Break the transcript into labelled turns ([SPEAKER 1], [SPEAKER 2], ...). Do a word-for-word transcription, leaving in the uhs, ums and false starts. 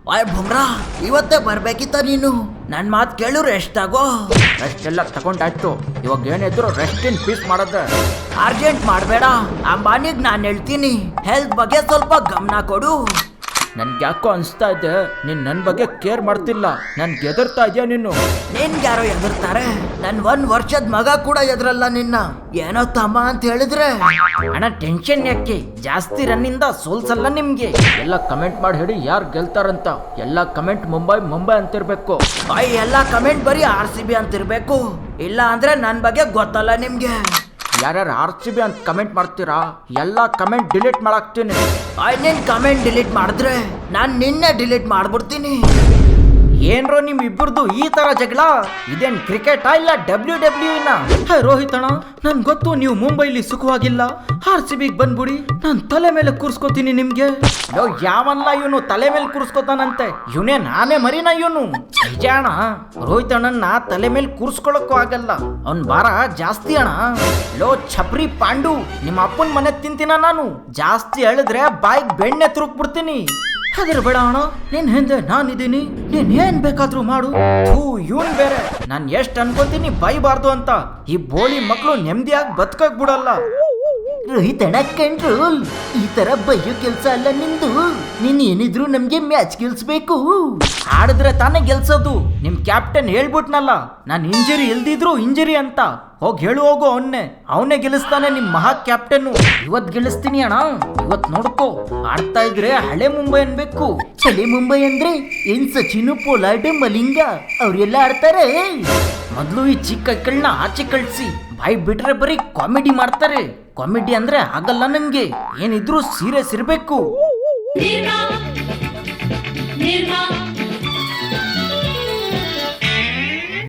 [SPEAKER 1] ಆಯ್ ಭುಮ್ರಾ, ಇವತ್ತೇ ಬರ್ಬೇಕಿತ್ತ ನೀನು. ನನ್ ಮಾತ್ ಕೇಳು, ರೆಸ್ಟ್ ತಗೋ.
[SPEAKER 2] ರೆಸ್ಟ್ ಎಲ್ಲ ತಗೊಂಡಾಯ್ತು, ಇವಾಗ ಏನಿದ್ರು ರೆಸ್ಟ್ ಇನ್ ಪೀಸ್ ಮಾಡದ.
[SPEAKER 1] ಅರ್ಜೆಂಟ್ ಮಾಡಬೇಡ, ಅಂಬಾನಿಗ್ ನಾನು ಹೇಳ್ತೀನಿ, ಹೆಲ್ತ್ ಬಗ್ಗೆ ಸ್ವಲ್ಪ ಗಮನ ಕೊಡು.
[SPEAKER 2] ನನ್ಗೆ ಯಾಕೋ ಅನ್ಸ್ತಾ ಇದೆ ನೀನ್ ನನ್ ಬಗ್ಗೆ ಕೇರ್ ಮಾಡ್ತಿಲ್ಲ, ನನ್ಗೆ ಎದುರ್ತಾ ಇದೆಯಾ ನೀನು.
[SPEAKER 1] ನಿನ್ಗೆ ಯಾರೋ ಎದುರ್ತಾರೆ? ನನ್ ಒಂದ್ ವರ್ಷದ ಮಗ ಕೂಡ ಎದುರಲ್ಲ ನಿನ್ನ. ಏನೋ ತಮ್ಮ ಅಂತ ಹೇಳಿದ್ರೆ
[SPEAKER 2] ಅಣ್ಣ ಟೆನ್ಷನ್ ಯಾಕೆ, ಜಾಸ್ತಿ ರನ್ನಿಂದ ಸೋಲ್ಸಲ್ಲ ನಿಮ್ಗೆ. ಎಲ್ಲ ಕಮೆಂಟ್ ಮಾಡಿ ಹೇಳಿ ಯಾರು ಗೆಲ್ತಾರಂತ. ಎಲ್ಲ ಕಮೆಂಟ್ ಮುಂಬೈ ಮುಂಬೈ ಅಂತಿರ್ಬೇಕು.
[SPEAKER 1] ಬಾಯ್ ಎಲ್ಲ ಕಮೆಂಟ್ ಬರೀ ಆರ್ ಸಿ ಬಿ ಅಂತಿರ್ಬೇಕು, ಇಲ್ಲ ಅಂದ್ರೆ ನನ್ ಬಗ್ಗೆ ಗೊತ್ತಲ್ಲ ನಿಮ್ಗೆ.
[SPEAKER 2] ಯಾರ್ಯಾರು ಆರ್ ಸಿ ಬಿ ಅಂತ ಕಮೆಂಟ್ ಮಾಡ್ತೀರಾ ಎಲ್ಲ ಕಮೆಂಟ್ ಡಿಲೀಟ್ ಮಾಡಾಕ್ತೀನಿ.
[SPEAKER 1] ಆಯ್ ನಿನ್ ಕಮೆಂಟ್ ಡಿಲೀಟ್ ಮಾಡಿದ್ರೆ ನಾನ್ ನಿನ್ನೆ ಡಿಲೀಟ್ ಮಾಡ್ಬಿಡ್ತೀನಿ.
[SPEAKER 2] ಏನ್ರೋ ನಿಮ್ ಇಬ್ಬರದು ಈ ತರ ಜಗಳ? ಇದೇನ್ ಕ್ರಿಕೆಟ್ ಇಲ್ಲ ಡಬ್ಲ್ಯೂ ಡಬ್ಲ್ಯೂ ನ? ರೋಹಿತ್ ಅಣ್ಣ, ನನ್ ಗೊತ್ತು ನೀವು ಮುಂಬೈಲಿ ಸುಖವಾಗಿಲ್ಲ, ಆರ್ ಸಿ ಬಿಗ್ ಬಂದ್ಬಿಡಿ, ನಾನ್ ತಲೆ ಮೇಲೆ ಕೂರ್ಸ್ಕೋತೀನಿ ನಿಮ್ಗೆ. ಯೋ ಯಾವಲ್ಲ ಇವನು ತಲೆ ಮೇಲೆ ಕೂರ್ಸ್ಕೋತಾನಂತೆ, ಇವನೇ ನಾನೇ ಮರಿನ ಇವನು. ನಿಜ ಅಣ್ಣ, ರೋಹಿತ್ ಅಣ್ಣನ ತಲೆ ಮೇಲೆ ಕೂರ್ಸ್ಕೊಳಕ್ಕೂ ಆಗಲ್ಲ, ಅವ್ನ್ ಭಾರ ಜಾಸ್ತಿ ಅಣ್ಣ. ಲೋ ಛಪ್ರಿ ಪಾಂಡು, ನಿಮ್ಮ ಅಪ್ಪನ ಮನೆ ತಿಂತೀನ ನಾನು, ಜಾಸ್ತಿ ಹೇಳಿದ್ರೆ ಬಾಯಿಗೆ ಬೆಣ್ಣೆ ತುರುಕ್ಬಿಡ್ತೀನಿ. ಹೆದರ್ಬೇಡ ಅಣ್ಣ, ನಿನ್ ಹಿಂದೆ ನಾನಿದ್ದೀನಿ, ನೀನ್ ಏನ್ ಬೇಕಾದ್ರೂ ಮಾಡು. ಥೂ ಇವನ್ ಬೇರೆ, ನಾನ್ ಎಷ್ಟ್ ಅನ್ಕೋತೀನಿ ಬೈಬಾರ್ದು ಅಂತ. ಈ ಬೋಳಿ ಮಕ್ಳು ನೆಮ್ಮದಿಯಾಗಿ ಬದುಕಕ್ ಬಿಡಲ್ಲ.
[SPEAKER 1] ರೋಹಿತ್ ಅಣ್ಣ ಕಂಟ್ರೋಲ್, ಈ ತರ ಬಯ್ಯೋ ಕೆಲ್ಸ ಅಲ್ಲ ನಿಂದು. ನೀನ್ ಏನಿದ್ರು ನಮ್ಗೆ ಮ್ಯಾಚ್ ಗೆಲ್ಸ್ಬೇಕು.
[SPEAKER 2] ಆಡಿದ್ರೆ ತಾನೇ ಗೆಲ್ಸೋದು. ನಿಮ್ ಕ್ಯಾಪ್ಟನ್ ಹೇಳ್ಬಿಟ್ನಲ್ಲ, ನಾನ್ ಇಂಜರಿ ಇಲ್ದಿದ್ರು ಇಂಜರಿ ಅಂತ. ಹೋಗಿ ಹೇಳು ಹೋಗು ಅವನ್ನೇ, ಅವನೇ ಗೆಲ್ಲಿಸ್ತಾನೆ ನಿಮ್ ಮಹಾ ಕ್ಯಾಪ್ಟನ್. ಇವತ್ ಗೆಲ್ಲಿಸ್ತೀನಿ ಅಣ್ಣ, ಇವತ್ ನೋಡ್ಕೋ. ಆಡ್ತಾ ಇದ್ರೆ ಹಳೆ ಮುಂಬೈ ಅನ್ಬೇಕು.
[SPEAKER 1] ಹಳೆ ಮುಂಬೈ ಅಂದ್ರೆ ಏನ್ ಸಚಿನ್, ಪೊಲಾರ್ಡ್, ಮಲಿಂಗ ಅವ್ರೆಲ್ಲ ಆಡ್ತಾರೆ.
[SPEAKER 2] ಮೊದ್ಲು ಈ ಚಿಕ್ಕ ಕೈಗಳನ್ನ ಆಚೆ ಕಳ್ಸಿ, ಬಾಯ್ ಬಿಟ್ರೆ ಬರೀ ಕಾಮಿಡಿ ಮಾಡ್ತಾರೆ. ಕಾಮಿಡಿ ಅಂದ್ರೆ ಆಗಲ್ಲ ನಮ್ಗೆ, ಏನಿದ್ರು ಸೀರಿಯಸ್ ಇರ್ಬೇಕು.
[SPEAKER 3] ನಿರ್ಮಾ ನಿರ್ಮಾ